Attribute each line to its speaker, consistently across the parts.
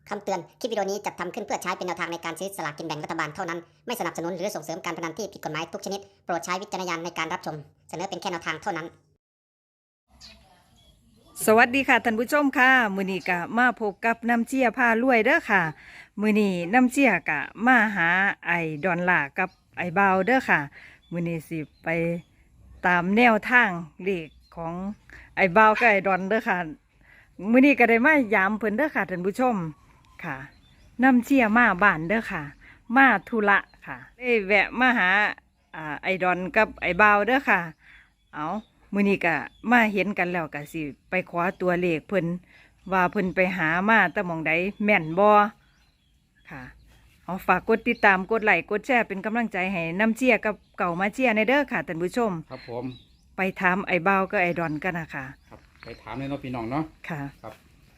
Speaker 1: คำเตือน คลิปวิดีโอนี้จัดทำขึ้นเพื่อใช้เป็นแนวทางในการซื้อสลากกินแบ่งรัฐบาลเท่านั้น ไม่สนับสนุนหรือส่งเสริมการพนันที่ผิดกฎหมายทุกชนิด โปรดใช้วิจารณญาณในการรับชม เสนอเป็นแค่แนวทางเท่านั้น
Speaker 2: สวัสดีค่ะท่านผู้ชมค่ะมื้อนี้ก็มาพบกับน้ำเจียพารวยเด้อค่ะมื้อนี้น้ำเจียก็มาหาไอ้ดอนล่ากับไอ้บาวเด้อค่ะมื้อนี้สิไปตามแนวทางเลขของไอ้บาวกับไอ้ดอนเด้อค่ะมื้อนี้ก็ได้มายามเพิ่นเด้อค่ะท่านผู้ชมค่ะน้ำเจียมาบ้านเด้อค่ะ มาธุระค่ะได้แวะมาหาไอ้ดอนกับไอ้บาวเด้อค่ะเอามื้อนี้ก็มาเห็นกันแล้วก็สิไปขอตัวเลขเพิ่นว่าเพิ่นไปหามาแต่หม่องใดแม่นบ่ค่ะเอาฝากกดติดตามกดไลค์กดแชร์เป็นกำลังใจให้น้ำเจียกับเก่ามาเจียในเด้อค่ะท่านผู้ชม
Speaker 3: ครับผม
Speaker 2: ไปถามไอ้บ่าวกับไอ้ดอนกันนะคะ
Speaker 3: ครับไปถามเลยเนาะพี่น้องเนาะ
Speaker 2: ค่ะ
Speaker 3: ครับ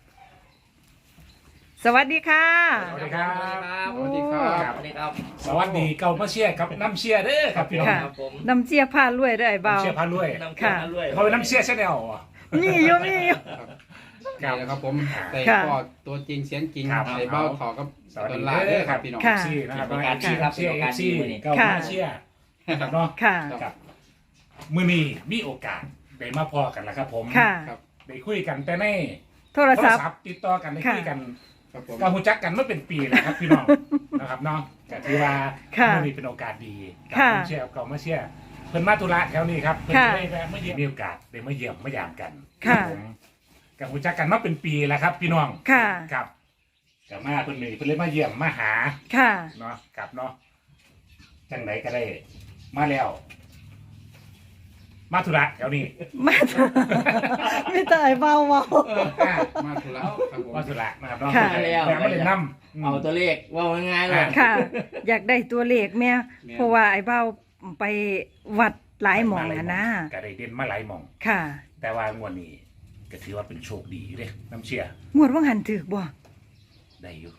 Speaker 2: สวัสดีค่ะ
Speaker 4: สวัสดีครับ
Speaker 3: สวัสดีครับ
Speaker 4: ครับ
Speaker 5: สวัสดีครับ
Speaker 4: สวัสดีเก่ามาเชียร์ครับน้ำเชียร์เด้อครับพี่น้อง
Speaker 2: ค่ะ
Speaker 5: ครับผม
Speaker 2: น้ำเจียพารวยเด้อไอ้บ่าว
Speaker 4: น้ำเชียร์พาลุย
Speaker 5: น้ำเกลือมาด้วย
Speaker 4: เขาเป็นน้ำเชียร์ใช่ไหมอ๋อ
Speaker 2: มีอยู่มีอยู่
Speaker 3: นี่แหละครับผมแต่
Speaker 2: ค่ะ
Speaker 3: ก็ตัวจริงเสียงจริง
Speaker 4: ครับ
Speaker 3: ในเบ้าถอกับ
Speaker 4: สวัส
Speaker 3: ด
Speaker 4: ดี
Speaker 3: อลลาร์
Speaker 4: เด้
Speaker 3: เด้
Speaker 4: อ
Speaker 3: อ
Speaker 4: ค
Speaker 3: ค
Speaker 4: รั
Speaker 3: รั
Speaker 4: บบ พี่
Speaker 3: พี่
Speaker 4: น้
Speaker 3: น้
Speaker 4: อ
Speaker 3: อง ง
Speaker 4: ซีนะครับ
Speaker 5: เป็นการชี้ครับ
Speaker 4: เชียร์
Speaker 5: เป็นการ
Speaker 4: ซี
Speaker 5: ชี้มื้อนี้
Speaker 4: เก่ามาเชียร์นะครับเนาะ
Speaker 2: ค่ะ
Speaker 4: ครับมื้อนี้มีโอกาสได้มาพอกันแล้วครับผม
Speaker 2: ค่ะ
Speaker 3: ครับ
Speaker 4: ได้คุยกันแต่ใน
Speaker 2: โทรศัพท์
Speaker 4: ติดต่อกันได้คุยกัน
Speaker 3: ครับผม
Speaker 4: ก็หูจักกันเมื่อเป็นปีแล้วครับพี่น้อง นะครับเนาะก็ถือว่า
Speaker 2: ค่ะ
Speaker 4: มื้อนี้เป็นโอกาสดีกับ
Speaker 2: ค่ะ
Speaker 4: น้ำเชียร์เก่ามาเชียร์เพิ่นมาธุระแถวนี้ครับเพิ่น
Speaker 2: ค่ะ
Speaker 4: ได้แวะมาเยี่ยมมีโอกาสได้มาเยี่ยมมายามกัน
Speaker 2: ค่ะ
Speaker 4: ผมกับหูจักกันมาเป็นปีแล้วครับ พี่น้อง
Speaker 2: ค่ะ
Speaker 4: ครับกับมาเพิ่นเลยเพิ่นเลยมาเยี่ยมมาหา
Speaker 2: ค่ะ
Speaker 4: เนาะกับเนาะจังไหนก็ได้ มาแล้ว มาธุระแถวนี้
Speaker 2: มาถูกไม่ตายเบาเบา
Speaker 4: อ่า
Speaker 3: มาธุระครับผม
Speaker 4: มาธุระนะครับเนาะ
Speaker 2: ค่ะ
Speaker 4: แต่ไม่ได้นำ
Speaker 5: เอาตัวเลขว่าง่ายๆเลย
Speaker 2: ค่ะ อยากได้ตัวเลขแม่เพราะว่าไอ้เบาไปวัดหลายหมองอะนะ
Speaker 4: ก็ได้เด่นมาหลายหมอง
Speaker 2: ค่ะ
Speaker 4: แต่ว่างวดนี้ก็ถือว่าเป็นโชคดีอยู่เด้น้ำเชื่อง
Speaker 2: วดว่างหันถือบ่
Speaker 4: ได้อยู่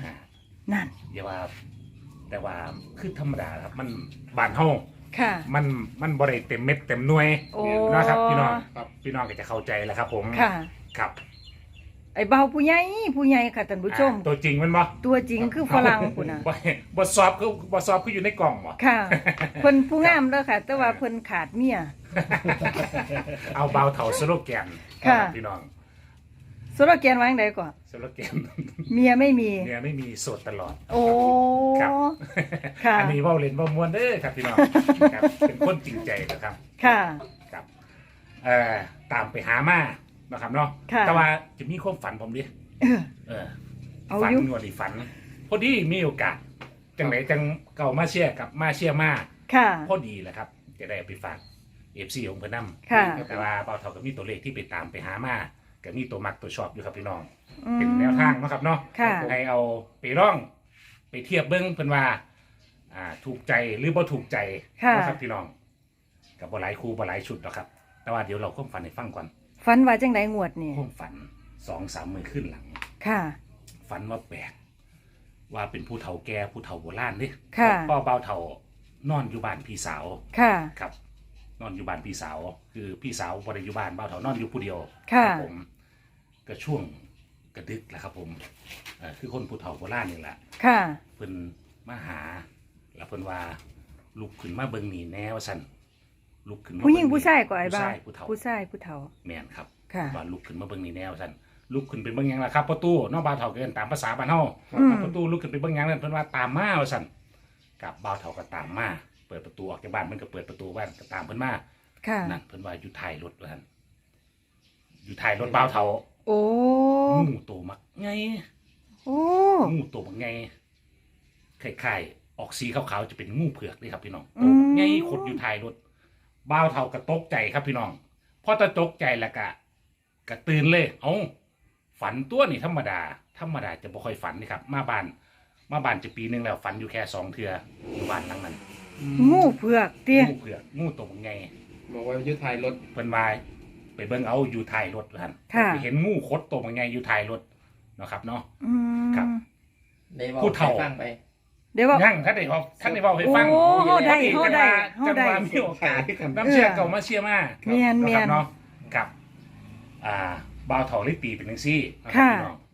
Speaker 4: 75
Speaker 2: นั่น
Speaker 4: อย่าว่า แต่ว่าคือธรรมดาครับมันบ้านเฮา
Speaker 2: ค่ะ
Speaker 4: มันบ่ได้เต็มเม็ดเต็มหน่วย
Speaker 2: โอ้
Speaker 4: นะครับพี่น้อง
Speaker 3: ครับ
Speaker 4: พี่น้องก็จะเข้าใจแล้วครับ ผม
Speaker 2: ค่ะ
Speaker 4: ครับ
Speaker 2: ไอ้เบาผู้ใหญ่ค่ะท่านผู้ชม
Speaker 4: ตัวจริงมันบ่
Speaker 2: ตัวจริงคือฝรั่งพุ่นน่ะ
Speaker 4: บ่สอบคืออยู่ในกล่องบ่
Speaker 2: ค่ะ เพิ่นผู้งามเด้อค่ะ แต่ว่าเพิ่นขาดเมีย
Speaker 4: เอาเบาเถาสโลแกน
Speaker 2: ค่ะ
Speaker 4: รับพี่น้อง
Speaker 2: สุรเกียนวาจั่งใดก่อน
Speaker 4: สโลแกน
Speaker 2: เมียไม่มี
Speaker 4: เนี่ยไม่มีโสดตลอด
Speaker 2: โอ้
Speaker 4: ครับ
Speaker 2: ค่ะ
Speaker 4: อันนี้เว้าเล่นเว้ามวนเด้อครับพี่น้องครับเป็นคนจริงใจนะครับ
Speaker 2: ค่ะ
Speaker 4: ครับตามไปหามานะครับเนาะ
Speaker 2: ค่ะ
Speaker 4: แต่ว่าจะมีความฝันผมดิ
Speaker 2: เออ
Speaker 4: เออ
Speaker 2: เอา
Speaker 4: ฝัน
Speaker 2: อยู่
Speaker 4: งวดอีฝัน พอดีมีโอกาสจังไหนจังเก่ามาเชียร์กับมาเชียร์มา
Speaker 2: ค่ะ
Speaker 4: พอดีแหละครับ จะได้ไปฝากเอฟซีของเพื่อนน
Speaker 2: ค่ะ
Speaker 4: ำแต่ว่าเบาเท่ากับมีตัวเลขที่ไปตามไปหามาก็มีตัวมักตัวชอบอยู่ครับพี่น้อง
Speaker 2: อืม
Speaker 4: เป็นแนวทางเนาะครับเนาะ
Speaker 2: ค่ะ
Speaker 4: ให้เอาไปร่องไปเทียบเบิ้งเพิ่นว่าถูกใจหรือบ่ถูกใจ
Speaker 2: ค่ะ
Speaker 4: นะครับพี่น้องกับบ่หลายคู่บ่หลายชุดหรอกครับ แต่ว่าเดี๋ยวเราความฝันให้ฟังก่อน
Speaker 2: ฝันว่าจังไดงวดนี่
Speaker 4: ความฝัน2-3 มื้อขึ้นหลัง
Speaker 2: ค่ะ
Speaker 4: ฝันว่าแปลกว่าเป็นผู้เฒ่าแก่ผู้เฒ่าโบราณนี่
Speaker 2: ค่ะ
Speaker 4: พ่อเบาเฒ่านอนอยู่บ้านพี่สาว
Speaker 2: ค่ะ
Speaker 4: ครับ นอนอยู่บ้านพี่สาว คือพี่สาวบ่ได้อยู่บ้านเบาเฒ่านอนอยู่ผู้เดียว
Speaker 2: ค่ะ
Speaker 4: รับผมก็ช่วงกระดึกแหละครับผมคือคนผู้เฒ่าโบราณนี่แหละ
Speaker 2: ค่ะ
Speaker 4: เพิ่นมาหาแล้วเพิ่นว่าลุกขึ้นมาเบิ่งนี่แน่ว่าซั่นลุกขึ้นมา
Speaker 2: ผู้หญิง
Speaker 4: เบิ่
Speaker 2: ผู้ชายก็ไอ้
Speaker 4: ผู้
Speaker 2: บ่าว
Speaker 4: ชายผู้เฒ่า
Speaker 2: ผู้ชายผู้เฒ่า
Speaker 4: แม่นครับ
Speaker 2: ค่ะ
Speaker 4: ว่าลุกขึ้นมาเบิ่งนี่แน่ว่าซั่นลุกขึ้นไปเบิ่งหยังล่ะครับประตูเนาะบ่าวเฒ่าเกินตามภาษาบ้านเฮา
Speaker 2: อืม
Speaker 4: ประตูลุกขึ้นไปเบิ่งหยังนั่นเพิ่นว่าตามมาว่าซั่นกับบ่าวเฒ่าก็ตามมาเปิดประตูออกจากบ้านเพิ่นก็เปิดประตูบ้านก็ตามเพิ่นมา
Speaker 2: ค่ะ
Speaker 4: นั่นเพิ่นว่าอยู่ท้ายรถว่าซั่นอยู่ท้ายรถบ่าวเฒ่า
Speaker 2: โอ้
Speaker 4: งูโตมักไง
Speaker 2: โอ้
Speaker 4: งูตัวมันไงคล้ายๆออกสีขาวๆจะเป็นงูเผือกเลยครับพี่น้อง
Speaker 2: อื
Speaker 4: ตัว
Speaker 2: ม
Speaker 4: มันไงขดอยู่ท้ายรถบ้าวเท่ากระตกใจครับพี่น้องพอตะตกใจแล้วกะตื่นเลย เอ้าฝันตัวนี่ธรรมดาจะบ่ค่อยฝันนี่ครับ มาบ้านจะปีหนึงแล้วฝันอยู่แค่2 เทื่ออยู่บ้านหลังนั้น
Speaker 2: งูเผือกเตี้ย
Speaker 4: งูเผือกงูตัวมันไง
Speaker 3: บอกว่ายุทธไทยรถ
Speaker 4: เพิ่นว่าไปเบิ่งเอาอยู่ท้ายรถท่าน
Speaker 2: ค่ะ
Speaker 4: ไปเห็นงูคดตัวมันไงอยู่ท้ายรถเนาะครับเนาะ
Speaker 2: อืม
Speaker 4: ครับ
Speaker 5: ได้บอก
Speaker 4: ผู้เฒ่า
Speaker 5: ให้ฟังไป
Speaker 2: เดี๋ยวว่า
Speaker 4: ยังท่านได้บอกท่านได้บอกให้ฟัง
Speaker 2: โอ้เฮาได้เฮาได้
Speaker 4: จังหวะมีโอกาสน้ำเชื่อเก่ามาเชื่อมา
Speaker 2: เมียน
Speaker 4: นะ
Speaker 2: เมี
Speaker 4: ค
Speaker 2: ย
Speaker 4: รับ
Speaker 2: น
Speaker 4: เนาะกับบ่าวเถาลิตีเป็นจังซี่นะครั
Speaker 2: ค่ะ
Speaker 4: พี่น้อง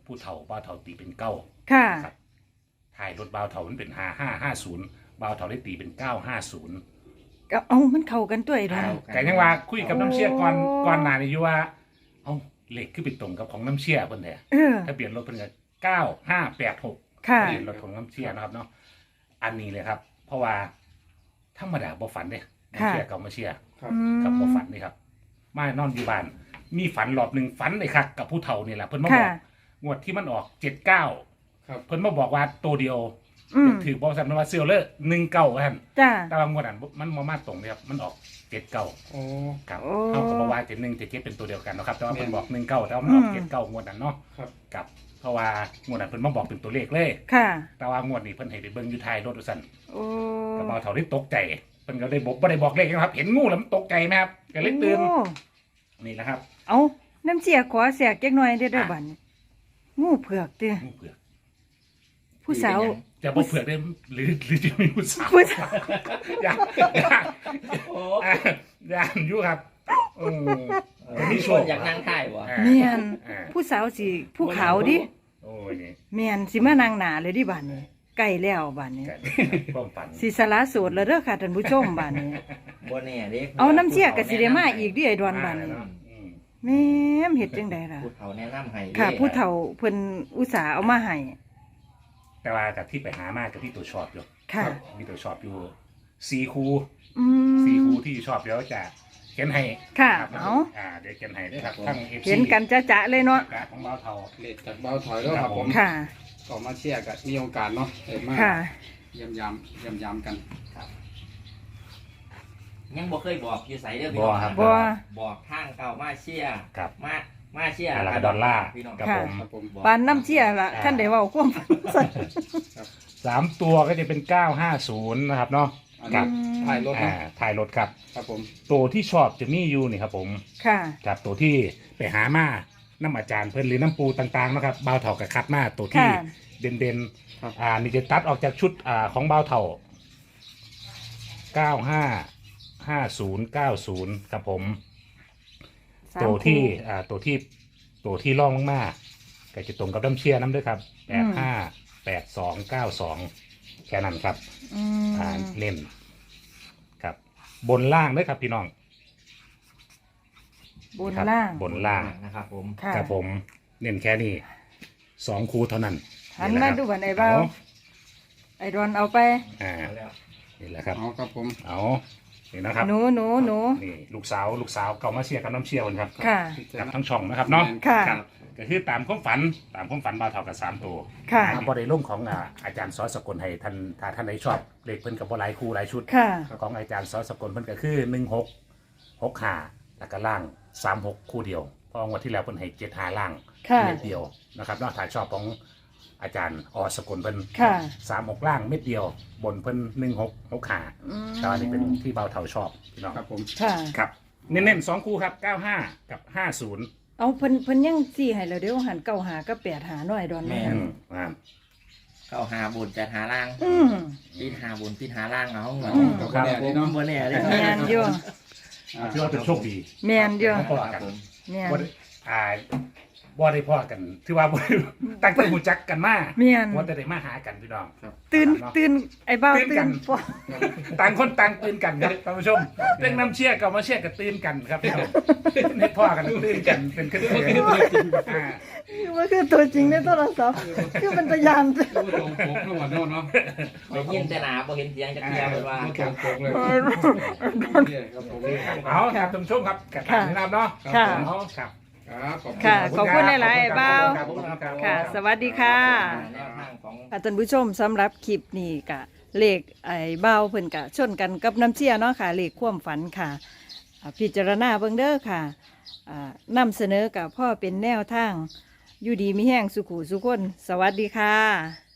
Speaker 4: ผู้เฒ่าบ่าวเฒ่าตีเป็นเก้า
Speaker 2: ค่ะ
Speaker 4: ครับถ่ายรถบ่าวเฒ่ามันเป็น5550บ่าวเฒ่าได้ตีเป็น950
Speaker 2: ก็เอามันเข้ากันตัวไอ้ดอน
Speaker 4: แต่ยังว่าคุยกับน้ำเชี่ยก่อน
Speaker 2: โอ้
Speaker 4: ก่อนหน้านี้อยู่ว่าเอาเลขคือไปตรงกับของน้ำเชี่ยเพิ่นแท้
Speaker 2: เออ
Speaker 4: ทะเบียนรถเพิ่นก็9586
Speaker 2: ค่ะ
Speaker 4: ทะเบียนรถของน้ำเชี่ยนะครับเนาะอันนี้เลยครับ เพราะว่าธรรมดาบ่ฝันเด้น้ำเชี่ยกับมาเชี่ย
Speaker 3: ครับ
Speaker 4: กับบ่ฝันนี่ครับมานอนอยู่บ้านมีฝันรอบหนึงฝันเลยครับกับผู้เฒ่านี่แหละเพิ่นมาบอก
Speaker 2: ค่ะ
Speaker 4: งวดที่มันออก79
Speaker 3: ครับ
Speaker 4: เพิ่นมาบอกว่าตัวเดียว
Speaker 2: อืม
Speaker 4: ถือบอกสันว่าเซียวเลอร์19ท่าน
Speaker 2: จ้า
Speaker 4: แต่ว่างวดนั้นมันมาตรงเลยครับมันออก79
Speaker 3: โอ้
Speaker 4: ครับ
Speaker 2: โอ้
Speaker 4: เขาก็บอกว่า71 77เป็นตัวเดียวกันเนาะครับแต่ว่าเพิ่นบอก19แต่ว่ามันออก79งวดนั้นเนาะ
Speaker 3: ครับ
Speaker 4: กับเพราะว่างวดนั้นเพิ่นมาบอกเป็นตัวเลขเลย
Speaker 2: ค่ะ
Speaker 4: แต่ว่างวดนี้เพิ่นให้ไปเบิ่งอยู่ท้ายรถว่าซั่น
Speaker 2: โอ้
Speaker 4: ก็มาเท่าได้ตกใจเพิ่นก็ได้บอกบ่ได้บอกเลขนะครับ เห็นงูแล้วมันตกใจไหมครับก็เลยตื่น
Speaker 2: โอ้
Speaker 4: นี่แหละครับ
Speaker 2: เอาน้ำเสียขอแสกจักหน่อยเด้อเด้อบัดนี้งูเผือกเด้อ
Speaker 4: งูเผือก
Speaker 2: ผู้สาว
Speaker 4: จะบ่เผือกได้หรือจะมีผู้สาว
Speaker 2: ผู้สาว
Speaker 4: อย่า
Speaker 5: โอ้
Speaker 4: ย่านอยู่ครับโอ้
Speaker 5: มีชวนอยากนั่งถ่ายบ่
Speaker 2: เมียน
Speaker 4: อ่า
Speaker 2: ผู้สาวสิผู้ขาวดิ
Speaker 4: โอ้ยนี่
Speaker 2: เมียนสิมานางหนาเลยดิบัดนี้ใกล้แล้วบัดนี้
Speaker 4: กันความฝัน
Speaker 2: สิสละโสดแล้วเด้อค่ะท่านผู้ชมบัดนี้
Speaker 5: บ่แน่เด้
Speaker 2: เอาน้ำเสียก็สิได้มาอีกดิไอ้ดอนบัดนี้
Speaker 4: อืม
Speaker 2: แม่มเฮ็ดจังได๋ล่ะ
Speaker 5: ผู้เฒ่าแนะนำให้
Speaker 2: ค่ะ ผู้เฒ่าเพิ่นอุตส่าห์เอามาให้
Speaker 4: แต่ว่ากับที่ไปหามากับที่ตัวชอบอยู่
Speaker 2: ค่ะ
Speaker 4: มีตัวชอบอยู่4 คู่
Speaker 2: อืม
Speaker 4: 4 คู่ที่ชอบเดี๋ยวจะเขียนให้
Speaker 2: ค่ะ
Speaker 4: ครับ
Speaker 2: เอา
Speaker 4: เดี๋ยวเขียนให้ด้วยครับทั้ง FC
Speaker 2: เห็นกันจะๆเลยเนาะ
Speaker 4: ประกาศของบ้าวเทา
Speaker 3: เลขจากเบาถอยแล้วครับผม
Speaker 2: ค่ะ
Speaker 3: ก็มาเชียร์กันมีโอกาสเนาะเห็นมาก
Speaker 2: ค่ะ
Speaker 3: เยี่ยมยามกัน
Speaker 5: ยังบ่เคยบอกอยู่ไสเด้อพี่
Speaker 4: บ่
Speaker 5: น้อง
Speaker 4: ครับ
Speaker 2: บ่
Speaker 5: บอกทางเก่ามาเชียร์
Speaker 4: ครับ
Speaker 5: มาเชียร์
Speaker 4: แล้วก็ดอลลาร์
Speaker 5: พี่น้อง
Speaker 4: ครับ
Speaker 2: ค่ะ
Speaker 4: ผม
Speaker 3: ครับผม
Speaker 5: บอก
Speaker 2: ปานน้ำเสียล่ะท่านได้เว้าความฝันใส่
Speaker 4: 3 ตัวก็จะเป็น950นะครับเนาะ
Speaker 3: อัน
Speaker 4: ครั
Speaker 3: นี้
Speaker 4: บ
Speaker 3: ถ่ายรถเนาะ
Speaker 4: ถ่ายรถครับ
Speaker 3: ครับผม
Speaker 4: ตัวที่ชอบจะมีอยู่นี่ครับผม
Speaker 2: ค่ะ
Speaker 4: กับตัวที่ไปหามาน้ำอาจารย์เพิ่นหรือน้ำปูต่างๆนะครับบ่าวเถากับคัดมาตัวที่
Speaker 2: ค่ะ
Speaker 4: เด่นๆนี่จะตัดออกจากชุดของบ่าวเถา955090ครับผม
Speaker 2: สาม
Speaker 4: ตัวที่
Speaker 2: คู่
Speaker 4: ตัวที่ล่องลงมาก็จะตรงกับน้ำเชียร์น้ำด้วยครับ858292แค่นั้นครับ
Speaker 2: อืม
Speaker 4: เน้นครับ บนล่างด้วยครับพี่น้อง
Speaker 2: บน
Speaker 4: ครับ
Speaker 2: ล่าง
Speaker 4: บนล่าง
Speaker 5: นะครับผม
Speaker 2: ค่ะ
Speaker 4: ครับผมเน้นแค่นี้2 คู่เท่านั้น
Speaker 2: หัน
Speaker 4: นี่แห
Speaker 2: มา
Speaker 4: ละครับ
Speaker 2: ดูบันไอ้เบาไอ้ดอนเอาไป
Speaker 4: อ่า
Speaker 5: เอาแล้ว
Speaker 4: นี่แหละครับ
Speaker 3: เอาครับผม
Speaker 4: เอานี่นะครับ
Speaker 2: หนู
Speaker 4: นี่ลูกสาวเก่ามาเชียร์กับน้ำเชียร์คนครับ
Speaker 2: ค่ะ
Speaker 4: กับทั้งช่องนะครับเนาะ
Speaker 2: ค่ะ
Speaker 4: รับก็คือตามความฝันบ่าวเท่ากับ3 ตัว
Speaker 2: ค่ะ
Speaker 4: บริลุ่มของอาจารย์ซอสกลให้ท่านถ้าท่านใดชอบเลขเพิ่นกับบ่หลายคู่หลายชุด
Speaker 2: ค่ะ
Speaker 4: ของอาจารย์ซอสกลเพิ่นก็คือ1665แล้วก็ล่าง36คู่เดียวเพราะงวดที่แล้วเพิ่นให้75ล่าง
Speaker 2: ค่ะ
Speaker 4: เม็ดเดียวนะครับนอกถ้าชอบของอาจารย์อสกลเพิ่น
Speaker 2: ค่ะ
Speaker 4: 36ล่างเม็ดเดียว บนเพิ่น1665
Speaker 2: อืม
Speaker 4: แต่ว่านี่เป็นที่เบาเท่าชอบพี่น้อง
Speaker 3: ครับผม
Speaker 2: ค่ะ
Speaker 4: ครับเน้นๆ2คู่ครับ95กับ50
Speaker 2: เอาเพิ่นยังสี่ให้แล้วเดี๋ยวหันเก้าหาก็แปดหาหน่อยดอน
Speaker 5: แม่
Speaker 2: แม่
Speaker 4: อ่า
Speaker 5: เข้าหาบุญจะหาล่าง
Speaker 2: อืม
Speaker 5: ปิดหาบุญปิดหาล่างเอาเหมือน
Speaker 2: อืม
Speaker 3: ครับผมเนาะ
Speaker 5: บ่แน่เด้
Speaker 2: แมนอยู่
Speaker 4: ถือว่าเป็นโชคดี
Speaker 2: แมนอยู่
Speaker 4: พอกัน
Speaker 2: แมน
Speaker 4: บ่ได้บ่ได้พอกันถือว่าบ่ได้ตั้งแต่หูจักกันมา
Speaker 2: แมน
Speaker 4: ว่าแต่ได้มาหากันพี่น้อง
Speaker 2: ตื่นไอ้เบา
Speaker 4: ตื่น
Speaker 2: ตื่
Speaker 4: กัน น
Speaker 2: พอ
Speaker 4: ต่างคนต่างตื่นกันครับท่านผู้ชมเรื่องน้ำเชี่ยกับมาเชี่ยกับตื่นกันครับพี่น้องให้พ่อกันตื่นกันเป็นขึ้นเลยอ่า
Speaker 2: ว่าคือตัวจริงในโทรศัพท์คือเป็นตะยาน
Speaker 3: ดูตรงปกทั้งหมดโน่นเนาะ
Speaker 5: ได้ยินแต่หนาบ่เห็นเสียงจักเทียเพิ่นว่า
Speaker 3: ดูตรงปกเลยเนี่ยครับผม
Speaker 4: เอาครับท่านผู้ชมครับกับทางนี้นะครับเนาะ
Speaker 2: ค่ะ
Speaker 4: เอาครับ
Speaker 3: ครับขอบคุณ
Speaker 2: ค่ะขอบคุณหลายๆไอ้เบา
Speaker 4: ขอบคุณครับ
Speaker 2: ค่ะ สวัสดีค่ะ
Speaker 5: แนวทางของ
Speaker 2: ค่ะท่านผู้ชมสำหรับคลิปนี้กะเลขไอ้เบาเพิ่นกะชนกันกับน้ำเชี่ยเนาะค่ะเลขความฝันค่ะพิจารณาเบิ่งเด้อค่ะนำเสนอกับพ่อเป็นแนวทางอยู่ดีมีแห้งสุขุสุคนสวัสดีค่ะ